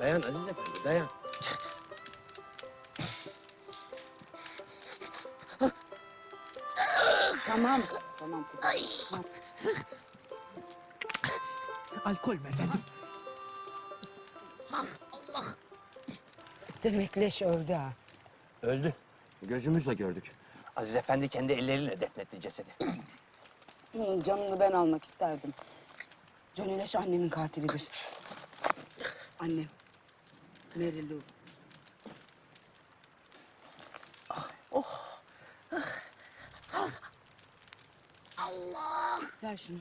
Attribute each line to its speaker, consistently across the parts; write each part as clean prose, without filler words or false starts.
Speaker 1: Dayan Aziz Efendi, dayan.
Speaker 2: Tamam. Tamam. Tamam.
Speaker 3: Alkol mü efendim?
Speaker 2: Demek leş öldü ha.
Speaker 1: Öldü. Gözümüzle gördük. Aziz Efendi kendi elleriyle defnetti cesedi.
Speaker 2: Bunun canını ben almak isterdim. Johnny Leş annemin katilidir. Annem. Mary Lou. Allah! Ver şunu.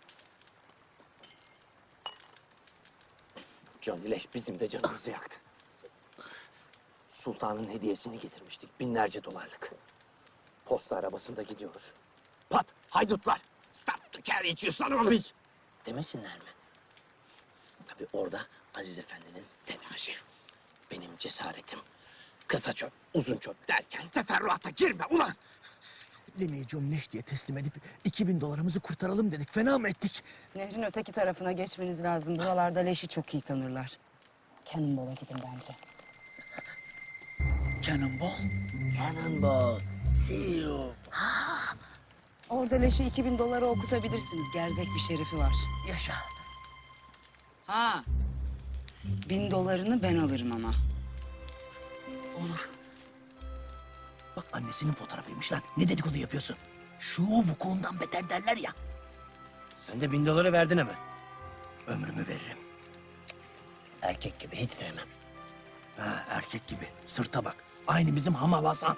Speaker 1: Johnny Leş bizim de canımızı yaktı. Sultanın hediyesini getirmiştik, binlerce dolarlık. Posta arabasında gidiyoruz. Pat, haydutlar! Stop to carry you son of a bitch! Demesinler mi? Tabii orada Aziz Efendi'nin telaşı. Benim cesaretim. Kısa çöp, uzun çöp derken teferruata girme ulan!
Speaker 3: Leme'yi John Leş diye teslim edip 2000 dolarımızı kurtaralım dedik. Fena mı ettik?
Speaker 2: Nehrin öteki tarafına geçmeniz lazım. Buralarda Leş'i çok iyi tanırlar. Cannonball'a gidin bence.
Speaker 3: Cannonball.
Speaker 1: Cannonball, see you.
Speaker 2: Orada Leş'e 2000 dolara okutabilirsiniz. Gerzek bir şerifi var.
Speaker 3: Yaşa.
Speaker 2: Ha. 1000 dolarını ben alırım ama.
Speaker 3: Olur. Bak annesinin fotoğrafıymış lan. Ne dedikodu yapıyorsun? Şu vukuundan beter derler ya.
Speaker 1: Sen de 1000 doları verdin hemen.
Speaker 3: Ömrümü veririm.
Speaker 1: Erkek gibi hiç sevmem.
Speaker 3: Ha, erkek gibi. Sırta bak. Aynı bizim Hamal Hasan.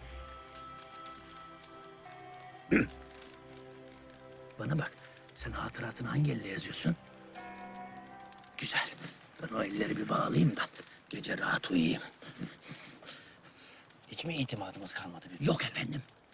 Speaker 3: Bana bak. Sen hatıratını hangi elle yazıyorsun? Güzel. Ben o elleri bir bağlayayım da gece rahat uyuyayım.
Speaker 1: Hiç mi itimadımız kalmadı bir?
Speaker 3: Yok efendim.